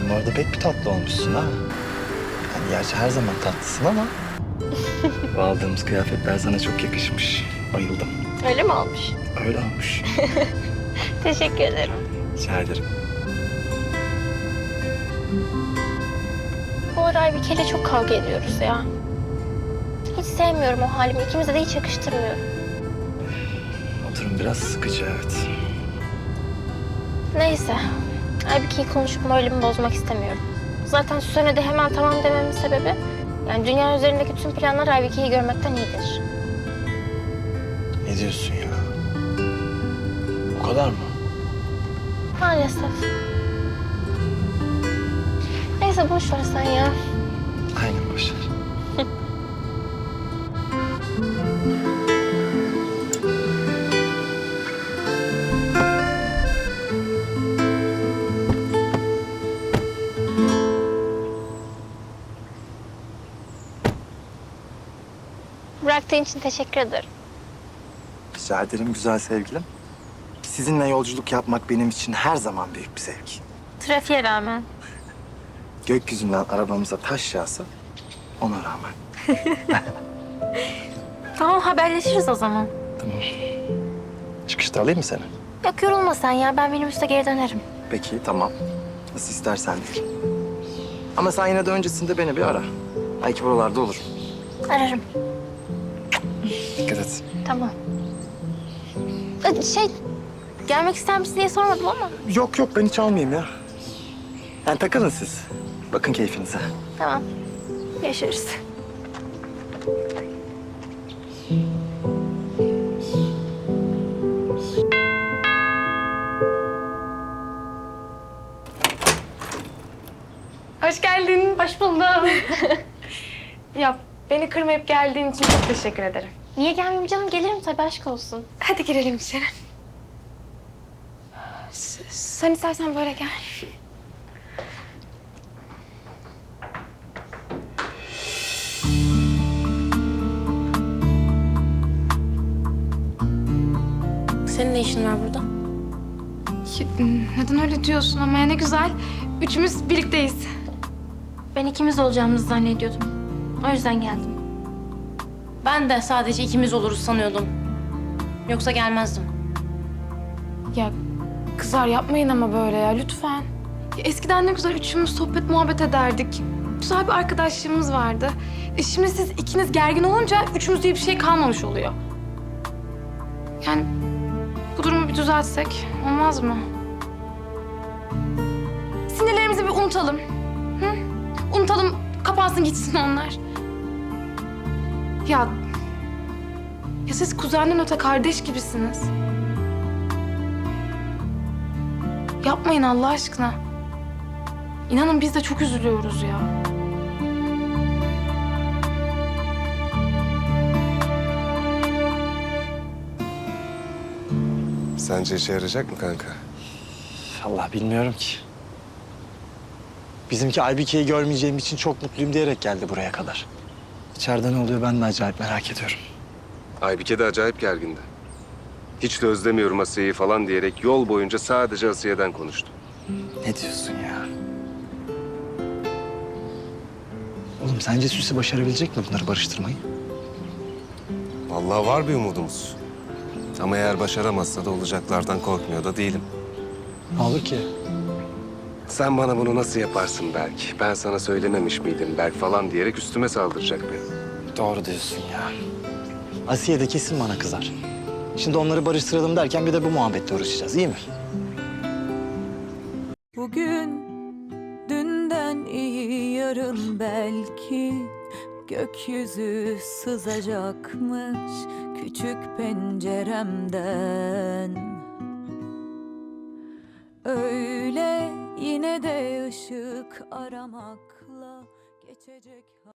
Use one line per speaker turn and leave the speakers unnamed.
Sen bu arada pek bir tatlı olmuşsun ha. Yani gerçi her zaman tatlısın ama... bu aldığımız kıyafetler sana çok yakışmış. Bayıldım.
Öyle mi olmuş?
Öyle olmuş.
Teşekkür ederim.
Rica ederim.
Bu ara Aybike'yle çok kavga ediyoruz ya. Hiç sevmiyorum o halimi. İkimize de hiç yakıştırmıyorum.
Oturum biraz sıkıcı, evet.
Neyse. Aybike'yi konuşup moralimi bozmak istemiyorum. Zaten Süsen'e de hemen tamam dememin sebebi... yani dünya üzerindeki tüm planlar Aybike'yi görmekten iyidir.
Ne diyorsun ya? O kadar mı?
Maalesef. Neyse boş ver sen ya.
Aynen, boş ver.
Bıraktığın için teşekkür ederim.
Rica ederim güzel sevgilim. Sizinle yolculuk yapmak benim için her zaman büyük bir zevk.
Trafiğe rağmen.
Gökyüzünden arabamıza taş yağsa ona rağmen.
Tamam haberleşiriz o zaman.
Tamam. Çıkışta alayım mı seni?
Yok yorulma sen ya. Ben minibüste geri dönerim.
Peki, tamam. Nasıl istersen değil. Ama sen yine de öncesinde beni bir ara. Belki buralarda olurum.
Ararım.
Dikkat et.
Tamam. Gelmek ister misin diye sormadım ama.
Yok yok, ben hiç almayayım ya. Yani takılın siz. Bakın keyfinize.
Tamam. Görüşürüz.
Hoş geldin.
Hoş buldum.
Ya beni kırmayıp geldiğin için çok teşekkür ederim.
Niye gelmeyeyim canım? Gelirim tabii, aşk olsun.
Hadi girelim içeri. Sen istersen böyle gel.
Senin ne işin var burada?
Neden öyle diyorsun ama ya ne güzel. Üçümüz birlikteyiz.
Ben ikimiz olacağımızı zannediyordum. O yüzden geldim.
Ben de sadece ikimiz oluruz sanıyordum. Yoksa gelmezdim.
Ya kızlar yapmayın ama böyle ya lütfen. Ya, eskiden ne güzel üçümüz sohbet muhabbet ederdik. Güzel bir arkadaşlığımız vardı. Şimdi siz ikiniz gergin olunca üçümüz diye bir şey kalmamış oluyor. Yani bu durumu bir düzeltsek olmaz mı? Sinirlerimizi bir unutalım. Hı? Unutalım, kapansın gitsin onlar. Ya siz kuzenden öte kardeş gibisiniz. Yapmayın Allah aşkına. İnanın biz de çok üzülüyoruz ya.
Sence işe yarayacak mı kanka?
Allah bilmiyorum ki. Bizimki Aybike'yi görmeyeceğim için çok mutluyum diyerek geldi buraya kadar. İçeride ne oluyor ben de acayip merak ediyorum.
Aybike de acayip gergindi. Hiç de özlemiyorum Asiye'yi falan diyerek yol boyunca sadece Asiye'den konuştu.
Ne diyorsun ya? Oğlum sence Süsi başarabilecek mi bunları barıştırmayı?
Vallahi var bir umudumuz. Ama eğer başaramazsa da olacaklardan korkmuyor da değilim.
Ne olur ki?
Sen bana bunu nasıl yaparsın Berk? Ben sana söylememiş miydim Berk falan diyerek üstüme saldıracak beni.
Doğru diyorsun ya. Asiye de kesin bana kızar. Şimdi onları barıştıralım derken bir de bu muhabbetle uğraşacağız, iyi mi?
Bugün dünden iyi yarın belki gökyüzü sızacakmış küçük penceremden. Öyle yine de ışık aramakla geçecek.